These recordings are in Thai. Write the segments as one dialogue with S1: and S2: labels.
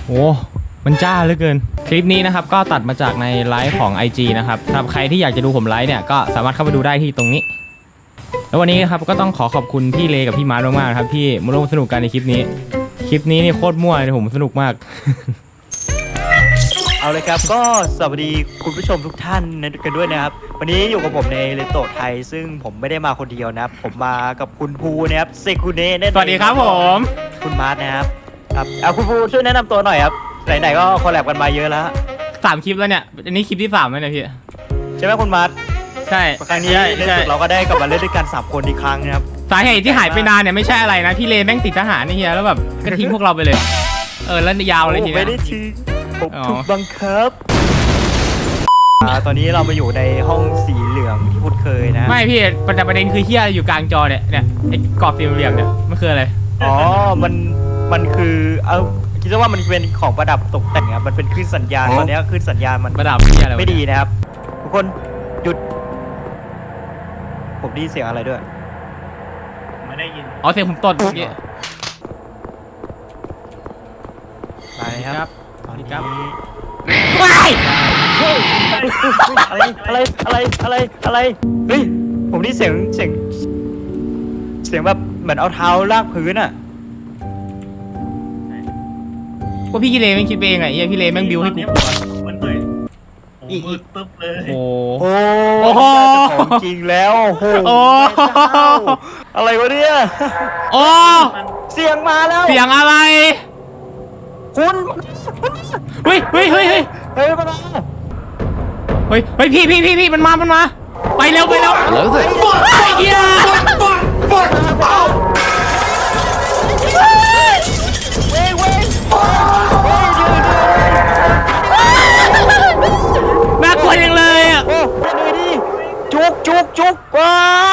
S1: โอ้มันจ้าเหลือเกินคลิปนี้นะครับก็ตัดมาจากในไลฟ์ของ IG นะครับสำหรับใครที่อยากจะดูผมไลฟ์เนี่ยก็สามารถเข้าไปดูได้ที่ตรงนี้แล้ววันนี้ครับก็ต้องขอบคุณพี่เลกับพี่มาร์ทมากๆนะครับที่มาร่วมสนุกกันในคลิปนี้นี่โคตรมั่วเลยผมสนุกมาก
S2: เอาเลยครับก็สวัสดีคุณผู้ชมทุกท่านกันด้วยนะครับวันนี้อยู่กับผมในเลโตไทยซึ่งผมไม่ได้มาคนเดียวนะครับผมมากับคุณภูนะครับเซคุเนะ
S1: สวัสดีครับผม
S2: คุณมาร์ทนะครับเอาคุณภูช่วยแนะนำตัวหน่อยครับไหนๆก็คอลแลบกันมาเยอะแล้ว
S1: 3 คลิปแล้วเนี่ยอันนี้คลิปที่3แล้วเนี่ยพี่
S2: ใช่ไหมคุณมาร์ท
S1: ใช่
S2: ครั้งนี้ในสุดเราก็ได้กลับมาเล่นด้วยกัน3 คนอีกครั้งนะครับ
S1: สาเหตุที่หายไปนานเนี่ยไม่ใช่อะไรนะพี่เลแม่งติดทหารนี่เฮียแล้วแบบก็ทิ้งพวกเราไปเลยแล้วยาวเลยทีนี้
S2: ไม่ได้ทิ้งผมถูกบังคับตอนนี้เรามาอยู่ในห้องสีเหลืองที่พูดเคยนะ
S1: ไม่พี่ประเด็นคือเฮียอยู่กลางจอเนี่ยไอ้กรอบสีเหลืองเนี่ยมันคืออะไร
S2: อ๋อมันคือคิดว่ามันเป็นของประดับตกแต่งครับมันเป็นคลื่นสัญญาณตอนนี้คลื่นสัญญาณมัน
S1: ประดับ
S2: ไม่ดีนะครับทุกคนหยุดผมได้ยินเสียงอะไรด้วย
S3: ไม่ได้ยิน
S1: เสียงผมตดเมื่อกี้
S2: ไปครับ
S1: ตอนนี้ครับ
S2: ว้ายอะไรเฮ้ยผมได้เสียงแบบเหมือนเอาเท้าลากพื้นอ่ะ
S1: ว่าพี่กิเลแม่งคิดไปเองไงพี่เลแม่งบิวให้กูกลัว
S3: มันเหนื่อยมืดปึ๊บเลย
S1: โอ้
S2: โหของจริงแล้วโอ้อะไรวะเนี่ยเสียงมาแล้ว
S1: เสียงอะไร
S2: คุณ
S1: เฮ้ยพี่มันมาไปเร็วแล้วสิไอ้เหี้ยน่ากลัวจังเลยอ่ะ
S2: โอ้ไปเลยดิจุกว้า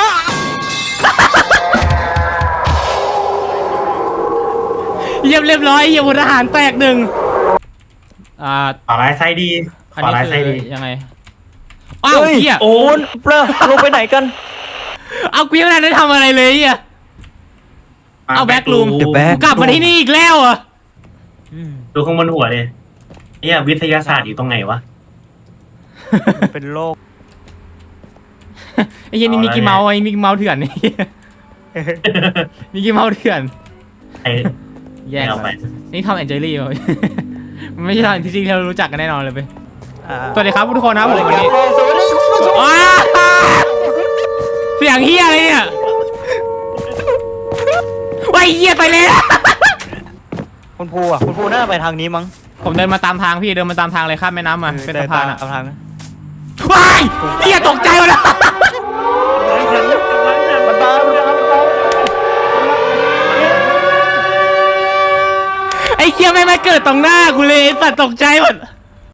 S1: เรียบร้อยเหี้ยพลทหารแตก1
S3: ขวาร้ายไซดีขวาร้ายไซดี
S1: ยังไงอ้าวเหี้ย
S2: โอ้นเปล่าลงไปไหนกัน
S1: เอากูยังไม่ได้ทำอะไรเลยอ่ะเอาแบ็กรูมกลับมาที่นี่อีกแล้วอ่ะ
S3: ดูข้างบนหัวเลยเนี่ยวิทยาศาสตร์อยู่ตรงไหนวะ
S2: เป็นโลก
S1: ไอ้เหี้ยนี่มิกกี้เมาส์เถื่อนนี่มิกกี้เมาส์เถื่อนแย่ไปนี่ทอมแอนเจลี่ป่ะมันไม่ใช่ทอมที่จริงเรารู้จักกันแน่นอนเลยไปสวัสดีครับทุกคนนะผมวันนี้เสียงเฮียอะไรเนี่ยว้ายเฮียไปเลย
S2: คุณภูน่าไปทางนี้มั้ง
S1: ผมเดินมาตามทางพี่เดินมาตามทางเลยข้ามแม่น้ำมาเป็นสะพานอ่ะ
S2: ตามทาง
S1: ว้ายเฮียตกใจหมดแล้ว
S2: มันตาม
S1: ไอ้เฮียไม่เกิดตรงหน้ากูเลยสัตว์ตกใจหมด